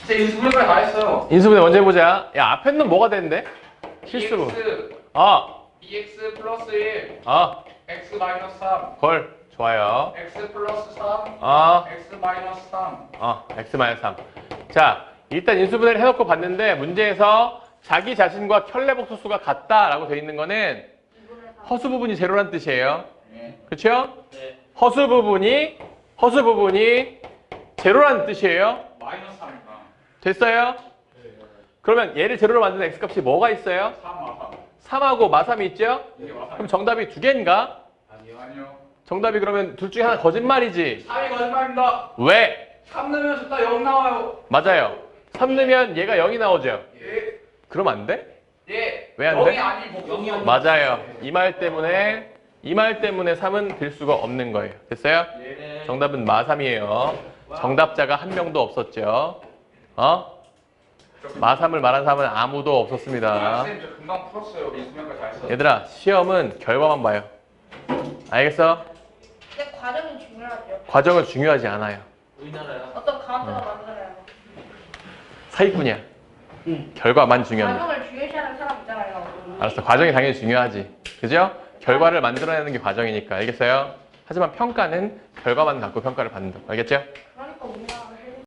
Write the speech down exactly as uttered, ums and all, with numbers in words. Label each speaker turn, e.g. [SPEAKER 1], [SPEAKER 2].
[SPEAKER 1] 제 인수분해까지 다 했어요.
[SPEAKER 2] 인수분해 먼저 해보자. 야, 앞에 는 뭐가 되는데? 실수로.
[SPEAKER 1] bx,
[SPEAKER 2] 아,
[SPEAKER 1] bx 플러스 일,
[SPEAKER 2] 아,
[SPEAKER 1] x 마이너스 삼,
[SPEAKER 2] 걸. 좋아요.
[SPEAKER 1] x 플러스 삼,
[SPEAKER 2] 아,
[SPEAKER 1] x 마이너스 삼.
[SPEAKER 2] 어, x 마이너스 삼. 자, 일단 인수분해를 해놓고 봤는데 문제에서 자기 자신과 켤레복소수가 같다라고 돼 있는 거는 허수 부분이 제로란 뜻이에요.
[SPEAKER 1] 네.
[SPEAKER 2] 그렇죠?
[SPEAKER 1] 네.
[SPEAKER 2] 허수 부분이 허수 부분이 제로란 뜻이에요.
[SPEAKER 1] 마이너스 삼이니까.
[SPEAKER 2] 됐어요? 그러면 얘를 제로로 만드는 x값이 뭐가 있어요?
[SPEAKER 1] 삼 마삼.
[SPEAKER 2] 삼하고 마삼이 있죠?
[SPEAKER 1] 이게 마삼.
[SPEAKER 2] 그럼 정답이 두 개인가?
[SPEAKER 1] 아니요. 아니요.
[SPEAKER 2] 정답이 그러면 둘 중에 하나 거짓말이지.
[SPEAKER 1] 삼이 거짓말입니다.
[SPEAKER 2] 왜?
[SPEAKER 1] 삼 넣으면 좋다 영 나와요.
[SPEAKER 2] 맞아요. 삼 넣으면 얘가 영이 나오죠.
[SPEAKER 1] 예.
[SPEAKER 2] 그럼 안 돼?
[SPEAKER 1] 예.
[SPEAKER 2] 왜 안
[SPEAKER 1] 영이
[SPEAKER 2] 돼?
[SPEAKER 1] 아니고 영이 아니고.
[SPEAKER 2] 맞아요. 이 말 때문에 이 말 때문에 삼은 될 수가 없는 거예요. 됐어요?
[SPEAKER 1] 예.
[SPEAKER 2] 정답은 마삼이에요. 정답자가 한 명도 없었죠. 어? 마삼을 말한 사람은 아무도 없었습니다.
[SPEAKER 1] 선생님 저 금방 풀었어요. 인수분해까지 다 했어요.
[SPEAKER 2] 얘들아, 시험은 결과만 봐요. 알겠어?
[SPEAKER 3] 근데 과정이 중요하죠.
[SPEAKER 2] 과정은 중요하지 않아요.
[SPEAKER 4] 우리나라야.
[SPEAKER 3] 어떤 가운데가 만들어요.
[SPEAKER 2] 사기꾼이야. 결과만 중요합니다.
[SPEAKER 3] 과정을 중요시하는 사람 있잖아요.
[SPEAKER 2] 알았어. 과정이 당연히 중요하지. 그죠? 결과를 만들어내는 게 과정이니까. 알겠어요? 하지만 평가는 결과만 갖고 평가를 받는다. 알겠죠?
[SPEAKER 3] 그러니까 우리나라